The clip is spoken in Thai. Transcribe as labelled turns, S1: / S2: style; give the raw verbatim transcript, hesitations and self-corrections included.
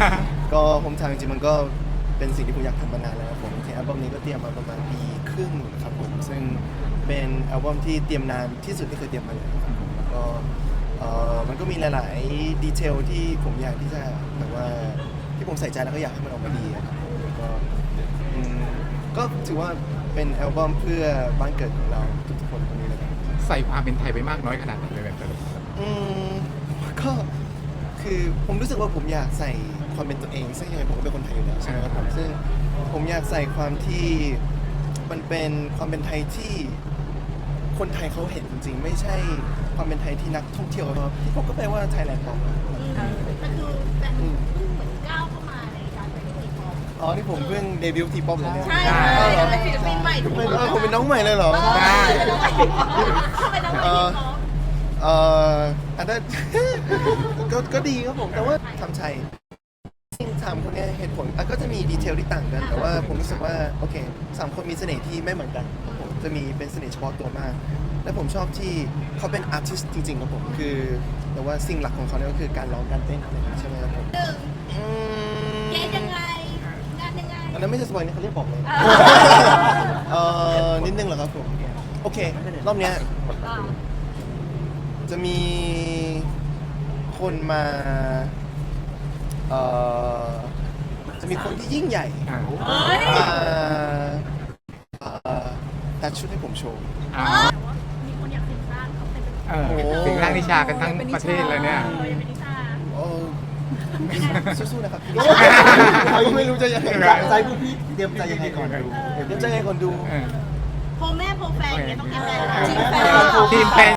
S1: ก็ผมทางจริงๆมันก็เป็นสิ่งที่ผมอยากทำมานานแล้วครับผมที่อัลบั้มนี้ก็เตรียมมาประมาณปีครึ่งครับผมซึ่งเป็นอัลบั้มที่เตรียมนานที่สุดที่เคยเตรียมมาเลยครับผมแล้วก็เอ่อมันก็มีหลายๆดีเทลที่ผมอยากที่จะแบบว่าที่ผมใส่ใจแล้วก็อยากให้มันออกมาดีอะครับผมแล้วก็อืมก็ถือว่าเป็นอัลบั้มเพื่อบ้านเกิดของเราทุกๆคนคนนี้เลยครับ
S2: ใส่ความเป็นไทยไปมากน้อยขนาดไหนเลยแบบแต่ละ
S1: อืมก็คือผมรู้สึกว่าผมอยากใส่ความเป็นตัวเองซึ่งยังไงผมก็เป็นคนไทยอยู่แล้วใช่ไหมครับผมซึ่งผมอยากใส่ความที่มันเป็นความเป็นไทยที่คนไทยเขาเห็นจริงๆ ไม่ใช่ความเป็นไทยที่นักท่องเที่ยวเขาที่ผมก็แปลว่าไทยแลนด์ปอม
S3: แต่คือแต่เพิ่งเหมือนก้าวเข้ามาในการเป็นทีป๊อป
S1: อ๋อที่ผมเพิ่งเดบิวต์ทีป๊อปเลยเนี่ย
S3: ใช่
S1: อ๋อเหรอ
S3: เป็นศิลปินใหม่ทุกคน
S1: เออผมเป็นน้องใหม่เลยเหรอ
S3: เป็นน้องใหม่เข้าไปน้องใหม่ทีป๊อป
S1: เอ่ออันนั้น ก็ก็ดีครับผมแต่ว่าทำชัยสามคนเนี้เหตุผลอ่ะก็จะมีดีเทลที่ต่างกัน แต่ว่าผมรู้สึกว่าโอเคสามคนมีเสน่ห์ที่ไม่เหมือนกันครับผมจะมีเป็นเสน่ห์เฉพาะตัวมาก และผมชอบที่เขาเป็นอาร์ติสต์จริงๆครับผมคือแต่ว่าสิ่งหลักของเขาเนี่ยก็คือการร้องการเต้นอะไรอย่างเงี้ยใช่ไหมครับผม
S3: หนึ่ง
S1: อืม
S3: เกณฑ์ยังไงงานยังไง
S1: อันนั้นไม่ใช่สปอยล์นี่เขาเรียกบอกเลย
S3: อ่า
S1: เอ่อนิดนึงเหรอครับผมโอเครอบเนี้ย
S3: อ่า
S1: จะมีคนมาเอ่อจะมีคนที่ยิ่งใหญ่
S2: อ่า
S3: เฮ้ย
S1: มาเอ่อตัดชุดให้ผมโชว์
S2: อ่า
S3: แต่ว่ามีคนอยากสิงร่างเขาเป็น
S2: เออถึงร่างนิชากันทั้งประเทศเลยเนี่ย
S3: เออยังเป็นนิชา
S1: โอ้สู้ๆนะครับพี่ไม่รู้จะยังไง
S4: ใจพวกพี่เตรียมใจยังไงก่อนดู
S1: เดี๋ยวจะให้คนดู
S2: เออ
S3: โพแม่โพแฟนอย่างเงี้ยต้องยังไง
S2: เออ
S3: ทีมแฟน
S2: ทีมแฟน